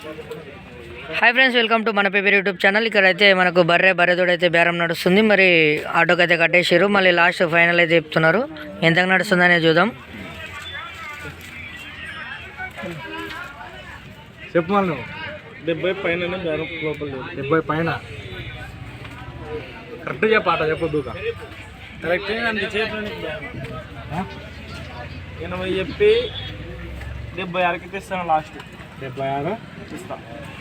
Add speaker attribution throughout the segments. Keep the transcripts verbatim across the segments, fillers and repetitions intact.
Speaker 1: Hi friends, welcome to మన paper YouTube channel. ఇక్కడైతే మనకు బర్రె బర్రెతోడైతే బేరం నడుస్తుంది. మరి ఆటోకి అయితే కట్టేసారు. మళ్ళీ లాస్ట్ ఫైనల్ అయితే చెప్తున్నారు. ఎంతకు నడుస్తుంది అనేది చూద్దాం.
Speaker 2: చెప్పు మళ్ళీ డెబ్బై పైన డెబ్బై పైన కరెక్ట్ చెప్పు. ఆట చెప్పొద్దు
Speaker 3: కరెక్ట్ ఎనభై చెప్పి డెబ్బై ఆరుకి తెస్తాను. లాస్ట్
Speaker 2: డెబ్బై ఆరు
Speaker 3: ఇస్తా.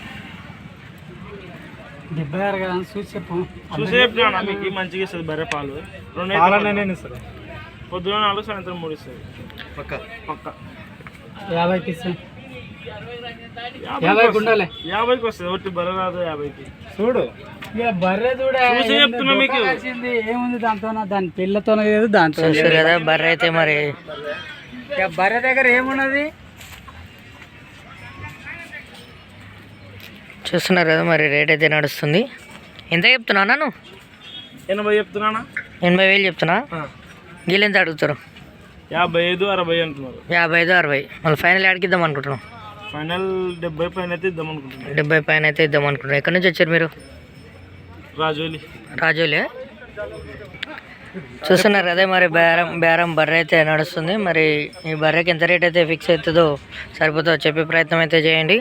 Speaker 4: డెబ్బై ఆరు కదా చూసి చెప్పు.
Speaker 3: చూసి చెప్తున్నా మీకు మంచిగా ఇస్తుంది బర్రె పాలు.
Speaker 2: పాలనే నేను ఇస్తాను.
Speaker 3: పొద్దున నాలుగు సాయంత్రం మూడు ఇస్తుంది
Speaker 2: పక్క
Speaker 3: పక్క.
Speaker 4: యాభైకి ఇస్తాను. యాభైకి ఉండాలి.
Speaker 3: యాభైకి వస్తుంది. ఒకటి బర్రె రాదు యాభైకి.
Speaker 2: చూడు
Speaker 4: ఇక బర్రె చూడే
Speaker 3: చూసి చెప్తున్నా మీకు.
Speaker 4: ఏముంది దాంతో, దాని పిల్లతో లేదు దాంతో
Speaker 1: చూస్తారు కదా బర్రె అయితే. మరి
Speaker 4: ఇక బర్రె దగ్గర ఏమున్నది
Speaker 1: చూస్తున్నారు కదా. మరి రేట్ అయితే నడుస్తుంది. ఎంత చెప్తున్నా నన్ను?
Speaker 3: ఎనభై చెప్తున్నానా?
Speaker 1: ఎనభై వేలు చెప్తున్నా. వీళ్ళు ఎంత అడుగుతారు?
Speaker 3: యాభై ఐదు అరవై అంటున్నారు.
Speaker 1: యాభై ఐదు అరవై. మళ్ళీ ఫైనల్ ఆడికిద్దాం అనుకుంటున్నాం.
Speaker 3: ఫైనల్ డెబ్బై పైన అయితే ఇద్దాం అనుకుంటున్నాను.
Speaker 1: డెబ్బై పైన అయితే ఇద్దాం అనుకుంటున్నాం. ఎక్కడి నుంచి వచ్చారు మీరు?
Speaker 3: రాజోలి.
Speaker 1: రాజోలే. చూస్తున్నారు అదే. మరి బేరం బేరం బర్రె అయితే నడుస్తుంది. మరి ఈ బర్రెకి ఎంత రేట్ అయితే ఫిక్స్ అవుతుందో సరిపోతుందో చెప్పే ప్రయత్నం అయితే చేయండి.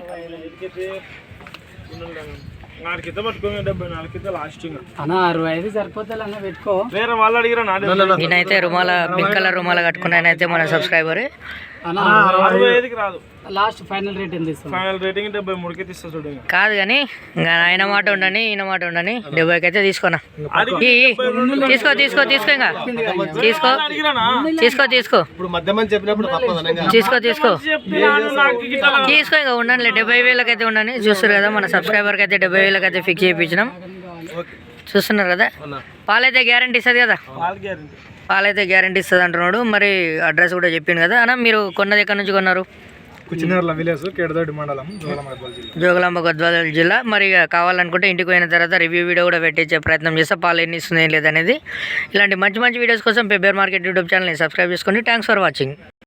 Speaker 3: నాలుగితే పట్టుకోండి. డెబ్బై నాలుగితే లాస్ట్.
Speaker 4: అన్న అరవై ఐదు సరిపోతుంది అన్న పెట్టుకో.
Speaker 3: వేరే వాళ్ళు అడిగిరా నా
Speaker 1: నేనైతే రుమాల పింక్ కలర్ రుమాల కట్టుకున్న ఆయన అయితే మన సబ్స్క్రైబర్.
Speaker 4: అన్న
Speaker 3: అరవై ఐదుకి రాదు.
Speaker 4: లాస్ట్ ఫైనల్ రేట్ ఎంత ఇస్తాం?
Speaker 3: ఫైనల్ రేటింగ్ డెబ్బై మూడుకి తీస్తా చూడండి.
Speaker 1: కాదు కానీ ఇంకా ఆయన మాట ఉండని ఈయన మాట ఉండని డెబ్బైకి అయితే తీసుకోనా. ఈ తీసుకో తీసుకో తీసుకో ఇంకా తీసుకో తీసుకో తీసుకో
Speaker 2: ఇప్పుడు మధ్యమని చెప్పినప్పుడు
Speaker 1: తీసుకో తీసుకో తీసుకో ఇంకా ఉండండి. డెబ్బై వేలకి అయితే ఉండని. చూస్తారు కదా మన సబ్స్క్రైబర్కి అయితే డెబ్బై వేలకి అయితే ఫిక్స్ చేయించినాం. చూస్తున్నారు కదా. పాలైతే గ్యారంటీ ఇస్తుంది కదా. పాలైతే గ్యారంటీ ఇస్తుంది అంటున్నాడు. మరి అడ్రస్ కూడా చెప్పిండు కదా. అన్న మీరు కొన్నది ఎక్కడి నుంచి కొన్నారు?
Speaker 2: కుచినేర్ల విలేజ్, కేడదొడ్డి మండలం,
Speaker 1: జోగులాంబ గద్వాల జిల్లా. మరి కావాలనుకుంటే ఇంటికి పోయిన తర్వాత రివ్యూ వీడియో కూడా పెట్టించే ప్రయత్నం చేస్తా. పాలు ఎన్ని ఇస్తుంది ఏం లేదనేది. ఇలాంటి మంచి మంచి వీడియోస్ కోసం పెబ్బేర్ మార్కెట్ యూట్యూబ్ ఛానల్ని సబ్స్క్రైబ్ చేసుకోండి. Thanks for watching.